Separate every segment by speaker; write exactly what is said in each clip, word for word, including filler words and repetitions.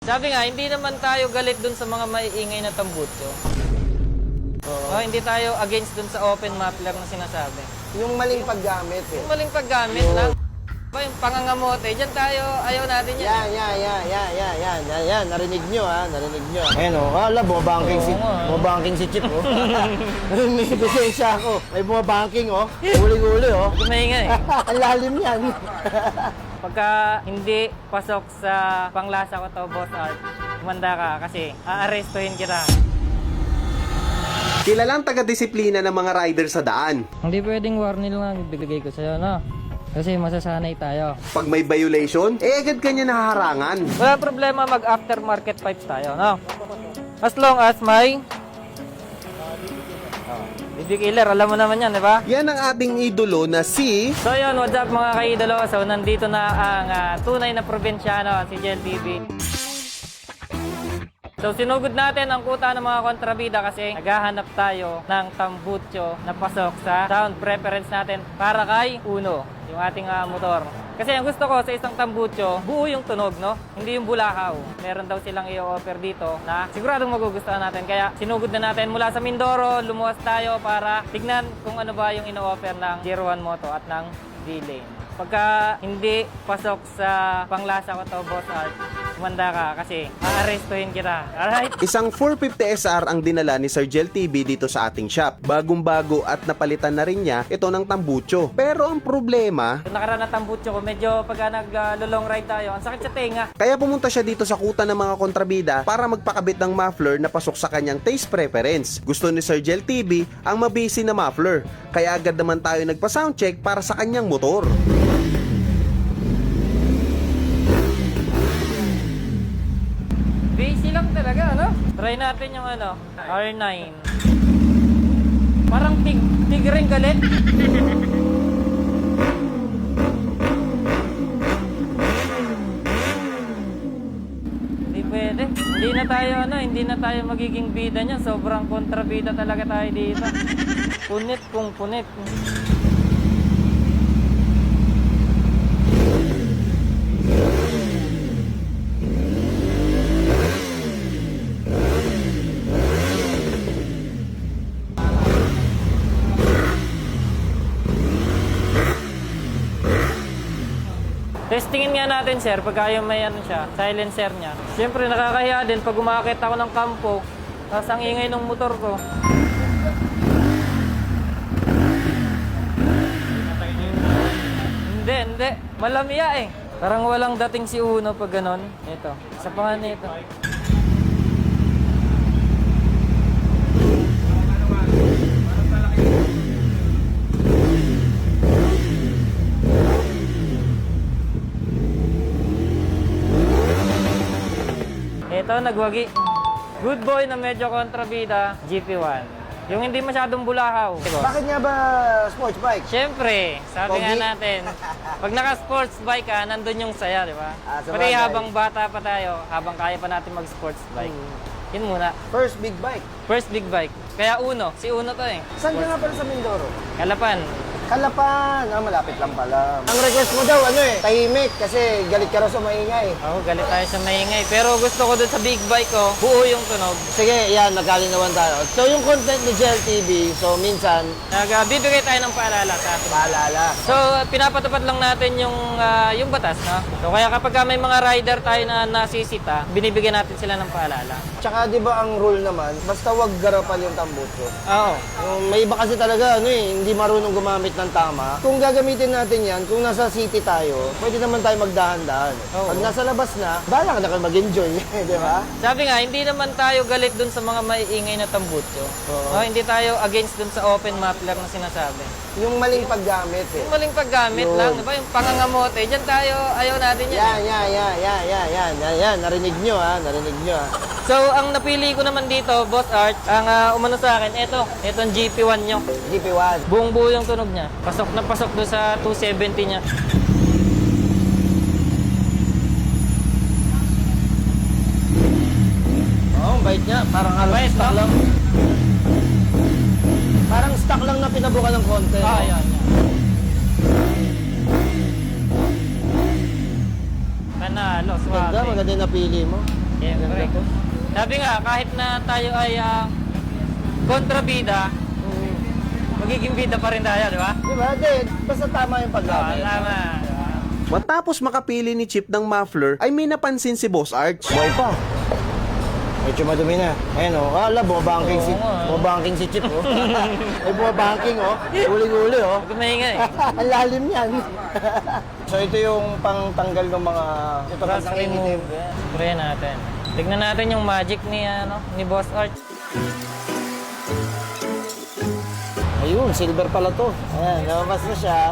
Speaker 1: Sabi nga, hindi naman tayo galit dun sa mga maiingay na tambutso.
Speaker 2: Oo.
Speaker 1: Oh, hindi tayo against dun sa open muffler na sinasabi.
Speaker 2: Yung maling paggamit eh.
Speaker 1: Yung maling paggamit
Speaker 2: Yung-
Speaker 1: lang. Ba, yung pangangamote, dyan tayo, ayaw natin yan.
Speaker 2: Yan, yan, yan, yan, yan, yan, yan, yan. Narinig nyo ha, narinig nyo. Ayan o, wala, bumabanking si,
Speaker 1: Oo nga, eh.
Speaker 2: bumabanking si Chip o. May ebidensya ako. May bumabanking o. Uli-uli o.
Speaker 1: Hindi maingay.
Speaker 2: Ang lalim yan.
Speaker 1: Pagka hindi pasok sa panglasa ko to, Boss Art, kumanda ka kasi aarestuhin kita.
Speaker 3: Kilalang taga-disiplina ng mga rider sa daan.
Speaker 1: Hindi pwedeng warning lang ibigay ko sa'yo, no? Kasi masasanay tayo.
Speaker 3: Pag may violation, eh agad kanya nahaharangan.
Speaker 1: Wala problema mag-aftermarket pipes tayo, no? As long as may... Oh, B B killer, alam mo naman yan, di ba?
Speaker 3: Yan ang ating idolo na si...
Speaker 1: So yun, what's up mga kaidolo? So nandito na ang ah, tunay na probinsyano, si Jel T V. So sinugod natin ang kuta ng mga kontrabida kasi naghahanap tayo ng tambutso na pasok sa sound preference natin para kay Uno, yung ating uh, motor. Kasi ang gusto ko sa isang tambutso, buo yung tunog, no? Hindi yung bulakaw. Meron daw silang i-offer dito na siguradong magugustuhan natin. Kaya sinugod na natin mula sa Mindoro, lumuwas tayo para tignan kung ano ba yung ino-offer ng Zero One Moto at ng D-Lane. Pagka hindi pasok sa panglasa ko to, Boss Art, kumanda ka kasi aarestuhin kita. Alright?
Speaker 3: Isang four fifty S R ang dinala ni Sir Jel T V dito sa ating shop. Bagong-bago at napalitan na rin niya ito ng tambutso. Pero ang problema,
Speaker 1: Yung nakaraan na tambutso ko, medyo pagka nag-long ride tayo, ang sakit sa tenga.
Speaker 3: kaya pumunta siya dito sa kuta ng mga kontrabida para magpakabit ng muffler na pasok sa kanyang taste preference. Gusto ni Sir Jel T V ang mabisi na muffler. Kaya agad naman tayo nagpa-soundcheck para sa kanyang motor.
Speaker 1: Basic lang talaga, ano? Try natin yung ano, R nine. Parang tig, tig rin galit. Hindi pwede. Hindi na tayo ano, hindi na tayo magiging bida niya. Sobrang kontrabida talaga tayo dito. Punit kung punit. Testingin nga natin, sir, pagka yung may ano siya, silencer niya. Siyempre, nakakahiya din pag umakit ako ng kampo, tapos ang ingay ng motor ko. Hindi, hindi. Malamya eh. Parang walang dating si Uno pag ganon. Ito. Sa pangan nito. Ito, nagwagi. Good boy na medyo kontrabida, G P one. Yung hindi masyadong bulakaw.
Speaker 2: Bakit nga ba sports bike?
Speaker 1: Siyempre, sabi nga
Speaker 2: Pogi.
Speaker 1: natin, pag naka-sports bike ka, nandun yung saya, di ba?
Speaker 2: Ah, sa
Speaker 1: Pati
Speaker 2: bagay.
Speaker 1: habang bata pa tayo, habang kaya pa natin mag-sports bike.
Speaker 2: Hmm.
Speaker 1: Yun muna.
Speaker 2: First big bike.
Speaker 1: First big bike. Kaya Uno. Si Uno to eh.
Speaker 2: Saan ka nga pala sa Mindoro?
Speaker 1: Kalapan.
Speaker 2: Kalapan. Ah, malapit lang pala. Ang request mo daw, ano eh, tahimik kasi galit ka raw sa maingay.
Speaker 1: Ako, galit tayo sa maingay. Pero gusto ko dun sa big bike ko, buo yung tunog.
Speaker 2: Sige, yan, magkalinawan tayo. So, yung content ni Jel T V, so minsan,
Speaker 1: Nagbibigay tayo ng paalala sa atin.
Speaker 2: paalala.
Speaker 1: So, uh, pinapatupad lang natin yung ah, yung batas, no? So, kaya kapag ka may mga rider tayo na nasisita, binibigyan natin sila ng paalala.
Speaker 2: Tsaka, di ba ang rule naman, basta wag garapan yung tambutso.
Speaker 1: Oo.
Speaker 2: Yung may iba kasi talaga, ano eh, hindi marunong gumamit ng tama. Kung gagamitin natin yan, kung nasa city tayo, pwede naman tayo magdahan-dahan.
Speaker 1: Oo.
Speaker 2: Pag nasa labas na, bahala ka na kayo mag-enjoy, di ba?
Speaker 1: Sabi nga, hindi naman tayo galit dun sa mga maiingay na tambutso.
Speaker 2: Oo.
Speaker 1: No, hindi tayo against dun sa open muffler na sinasabi.
Speaker 2: Yung maling paggamit eh.
Speaker 1: Yung maling paggamit
Speaker 2: Yun.
Speaker 1: lang, di ba? Yung pangangamote, dyan tayo, ayaw natin yan.
Speaker 2: Yan, yan, yan, yan, yan, yan, yan, yan, narinig nyo ha, narinig nyo ha.
Speaker 1: So, ang napili ko naman dito, Boss Art, ang ah, umano sa akin, eto, etong G P one nyo.
Speaker 2: G P one.
Speaker 1: Buong buo yung tunog niya. Pasok na pasok doon sa two seventy niya.
Speaker 2: Oo, oh, ang bait niya, parang halos
Speaker 1: Bait,
Speaker 2: stock
Speaker 1: no?
Speaker 2: lang. Parang stock lang na pinabukan ng konti.
Speaker 1: Ah, yan, yan. Panalo,
Speaker 2: Ganda,
Speaker 1: suwabe.
Speaker 2: maganda yung napili mo.
Speaker 1: Siyempre. Sabi nga, kahit na tayo ay ah, kontrabida, magiging bida pa rin tayo, di ba?
Speaker 2: Di ba? Di, basta tama yung
Speaker 1: Oo,
Speaker 2: paggamit.
Speaker 1: tama. di ba?
Speaker 3: Matapos makapili ni Chip ng muffler, ay may napansin si Boss Arch.
Speaker 2: Buhay pa. Medyo madumi na. Ayun o. Oh. Ala, bumabanking si,
Speaker 1: Oo nga.
Speaker 2: bumabanking si Chip oh. Ay, bumabanking oh. Huling-huli oh.
Speaker 1: Huwag maingay.
Speaker 2: Ang lalim yan. So ito yung pangtanggal ng mga... Ito
Speaker 1: Rust
Speaker 2: pang
Speaker 1: remove. Spray natin. Tignan natin yung magic ni ano ni Boss Arch.
Speaker 2: Ayun, silver pala to. Ayan, lumabas na siya.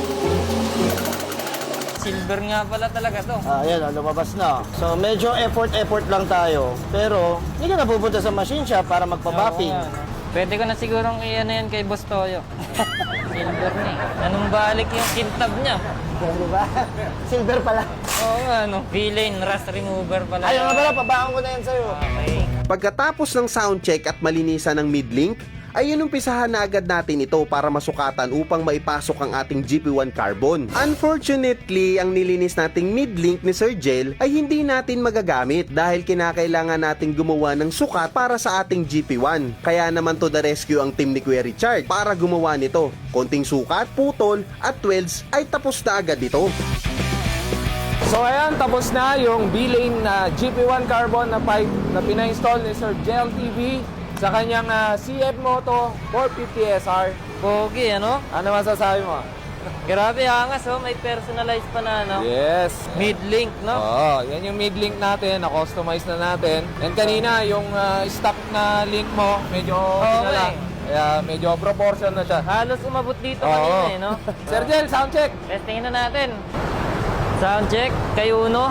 Speaker 1: Silver nga pala talaga to.
Speaker 2: Ah, ayan, oh, lumabas na. So medyo effort-effort lang tayo. Pero hindi ka na pupunta sa machine shop para magpa-bopping.
Speaker 1: Oo nga, no? Pwede ko na sigurong iyan yan kay Boss Toyo. Silver ni. Anong balik yung kintab niya?
Speaker 2: Di ba? Silver pala.
Speaker 1: Oo nga, no? V-Lane Rust Remover pala.
Speaker 2: Ayun nga pala, pabaon ko na yan sa'yo.
Speaker 1: Okay.
Speaker 3: Pagkatapos ng sound check at malinisan ng mid-link, ay inumpisahan na agad natin ito para masukatan upang maipasok ang ating G P one Carbon. Unfortunately, ang nilinis nating mid-link ni Sir Jel ay hindi natin magagamit dahil kinakailangan nating gumawa ng sukat para sa ating G P one. Kaya naman to the rescue ang team ni Kuya Richard para gumawa nito. Konting sukat, putol at welds ay tapos na agad ito.
Speaker 4: So ayan, tapos na yung B-Lane na G P one Carbon na pipe na pina-install ni Sir Jel T V sa kanyang uh, C F Moto four fifty S R.
Speaker 1: Pogi, ano?
Speaker 4: Ano masasabi mo?
Speaker 1: Grabe, angas, oh. May personalized pa na, ano?
Speaker 4: Yes.
Speaker 1: Mid-link, no?
Speaker 4: Oo, yan yung mid-link natin, na-customize na natin. And kanina, yung uh, stock na link mo, medyo
Speaker 1: Okay.
Speaker 4: lang. Kaya medyo proportion na siya.
Speaker 1: Halos umabot dito
Speaker 4: Oo.
Speaker 1: kanina, eh, no?
Speaker 4: Sir Jel, sound check!
Speaker 1: Testingin na natin. Sound check, kay Uno.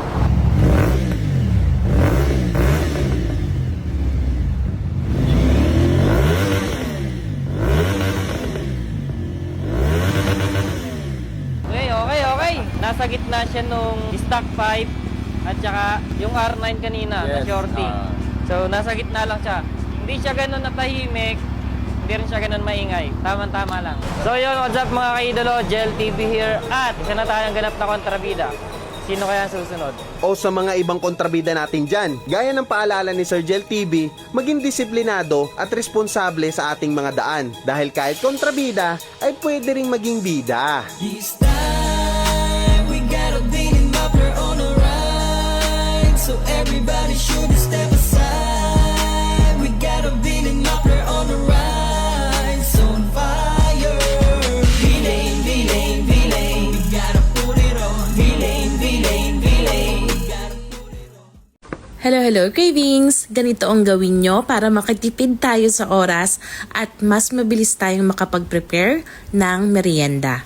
Speaker 1: Okay, okay, okay. Nasa gitna siya nung stock pipe at saka yung R nine kanina na
Speaker 4: Yes.
Speaker 1: shorty.
Speaker 4: Ah.
Speaker 1: So, nasa gitna lang siya. Hindi siya ganun natahimik. Hindi rin siya ganun maingay. Tama-tama lang. So yun, what's up mga kaidolo? Jel T V here. At isa na tayong ganap na kontrabida. Sino kaya ang susunod?
Speaker 3: O sa mga ibang kontrabida natin dyan. Gaya ng paalala ni Sir Jel T V, maging disiplinado at responsable sa ating mga daan. Dahil kahit kontrabida, ay pwede ring maging bida.
Speaker 5: This time we got a beating muffler on the ride, so everybody should step aside. We got a beating muffler on the ride, so on fire. V-Lane, V-Lane, V-Lane, we gotta put it on. V-Lane, V-Lane, V-Lane, we gotta put it on.
Speaker 6: Hello, hello cravings! Ganito ang gawin nyo para makatipid tayo sa oras at mas mabilis tayong makapag-prepare ng merienda.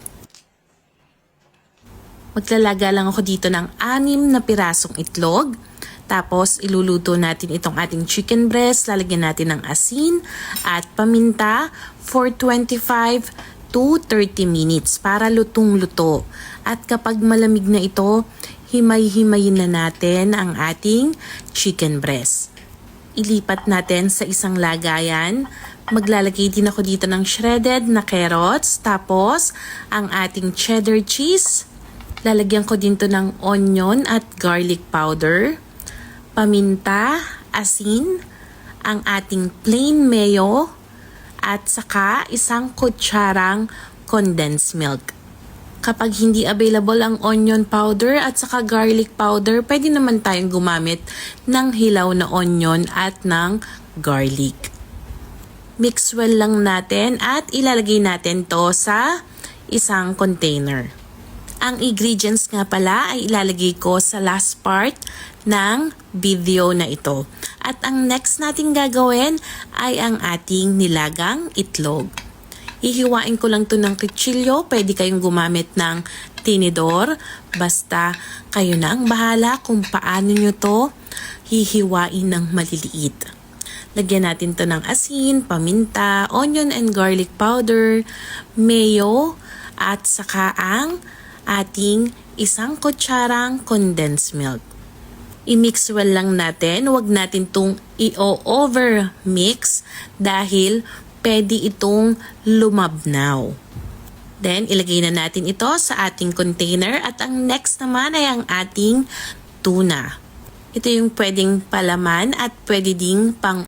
Speaker 6: Maglalaga lang ako dito ng anim na pirasong itlog. Tapos, iluluto natin itong ating chicken breast. Lalagyan natin ng asin at paminta for twenty-five to thirty minutes para lutong-luto. At kapag malamig na ito, himay-himayin na natin ang ating chicken breast. Ilipat natin sa isang lagayan. Maglalagay din ako dito ng shredded na carrots. Tapos, ang ating cheddar cheese. Lalagyan ko dito ng onion at garlic powder. Paminta, asin, ang ating plain mayo, at saka isang kutsarang condensed milk. Kapag hindi available ang onion powder at saka garlic powder, pwede naman tayong gumamit ng hilaw na onion at ng garlic. Mix well lang natin at ilalagay natin to sa isang container. Ang ingredients nga pala ay ilalagay ko sa last part ng video na ito. At ang next nating gagawin ay ang ating nilagang itlog. Hihiwain ko lang to ng kutsilyo. Pwede kayong gumamit ng tinidor. Basta kayo na ang bahala kung paano nyo to hihiwain ng maliliit. Lagyan natin to ng asin, paminta, onion and garlic powder, mayo, at saka ang ating isang kutsarang condensed milk. I-mix well lang natin. Huwag natin itong i-over mix dahil pwede itong lumabnaw. Then, ilagay na natin ito sa ating container at ang next naman ay ang ating tuna. Ito yung pwedeng palaman at pwede ding pang